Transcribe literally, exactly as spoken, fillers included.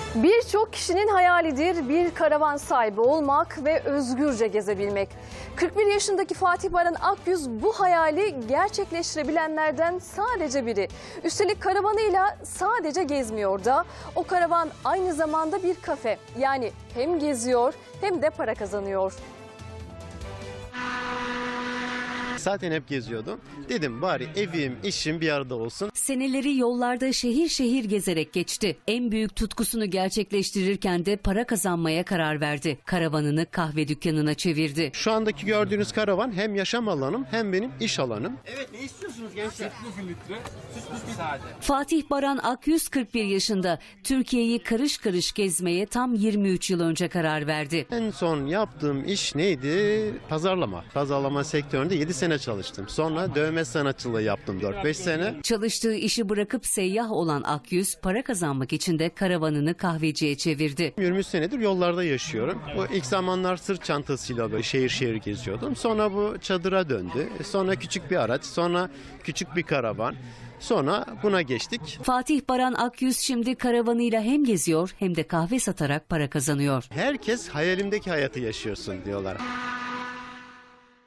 Birçok kişinin hayalidir bir karavan sahibi olmak ve özgürce gezebilmek. kırk bir yaşındaki Fatih Baran Akyüz bu hayali gerçekleştirebilenlerden sadece biri. Üstelik karavanıyla sadece gezmiyor da o karavan aynı zamanda bir kafe. Yani hem geziyor hem de para kazanıyor. Zaten hep geziyordum. Dedim bari evim, işim bir arada olsun. Seneleri yollarda şehir şehir gezerek geçti. En büyük tutkusunu gerçekleştirirken de para kazanmaya karar verdi. Karavanını kahve dükkanına çevirdi. Şu andaki gördüğünüz karavan hem yaşam alanım hem benim iş alanım. Evet, ne istiyorsunuz gençler? Fatih Baran Akyüz kırk bir yaşında. Türkiye'yi karış karış gezmeye tam yirmi üç yıl önce karar verdi. En son yaptığım iş neydi? Pazarlama. Pazarlama sektöründe yedi sene çalıştım. Sonra dövme sanatçılığı yaptım dört beş sene. Çalıştığı işi bırakıp seyyah olan Akyüz para kazanmak için de karavanını kahveciye çevirdi. yirmi üç senedir yollarda yaşıyorum. Bu ilk zamanlar sırt çantasıyla böyle şehir şehir geziyordum. Sonra bu çadıra döndü. Sonra küçük bir araç, sonra küçük bir karavan. Sonra buna geçtik. Fatih Baran Akyüz şimdi karavanıyla hem geziyor hem de kahve satarak para kazanıyor. Herkes hayalimdeki hayatı yaşıyorsun diyorlar.